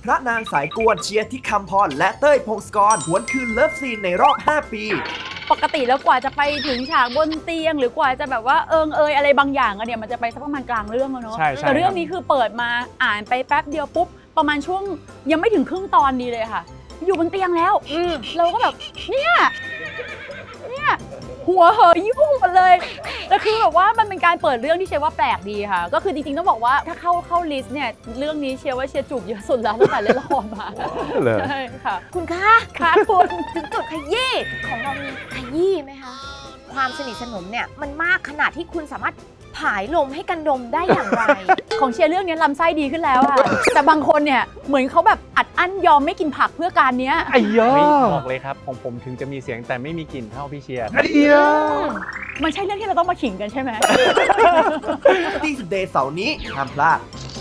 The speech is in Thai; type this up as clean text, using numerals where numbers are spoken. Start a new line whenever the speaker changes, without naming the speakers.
พระนางสายกวนเชียร์ที่คำพรและเต้ยพงศกรหวนคืนเลิฟซีนในรอบ 5 ปี
ปกติแล้วกว่าจะไปถึงฉากบนเตียงหรือกว่าจะแบบว่าอะไรบางอย่างอะเนี่ยมันจะไปสักประมาณกลางเรื่องแล้วเนาะแต่เรื่องนี้คือเปิดมาอ่านไปแป๊บเดียวปุ๊บประมาณช่วงยังไม่ถึงครึ่งตอนดีเลยค่ะอยู่บนเตียงแล้วเราก็แบบเนี่ยหัวเหยยุ่งหมดเลยแต่คือแบบว่ามันเป็นการเปิดเรื่องที่เชียร์ว่าแปลกดีค่ะก็คือจริงๆต้องบอกว่าถ้าเข้าลิสต์เนี่ยเรื่องนี้เชียร์ว่าเชียร์จูบเยอะสุดแล้วตั้งแต่เล่นละครมาใช่ค่ะ
คุณคะ
คุณ
ถึงจุดขยี้ของเรามีขยี้ไหมคะความสนิทสนมเนี่ยมันมากขนาดที่คุณสามารถผายลมให้กันดมได้อย่างไร
ของเชียร์เรื่องนี้ลำไส้ดีขึ้นแล้วค่ะแต่บางคนเนี่ยเหมือนเขาแบบอัดอั้นยอมไม่กินผักเพื่อการเนี้ย
ไอ้ยอบอกเลยครับของผมถึงจะมีเสียงแต่ไม่มีกลิ่นเท่าพี่เชียร์
ไอ้ยอ
มันใช่เรื่องที่เราต้องมาขิงกันใช่ไหม
ที่สุดเดย์เสาร์นี้ห้ามพลาด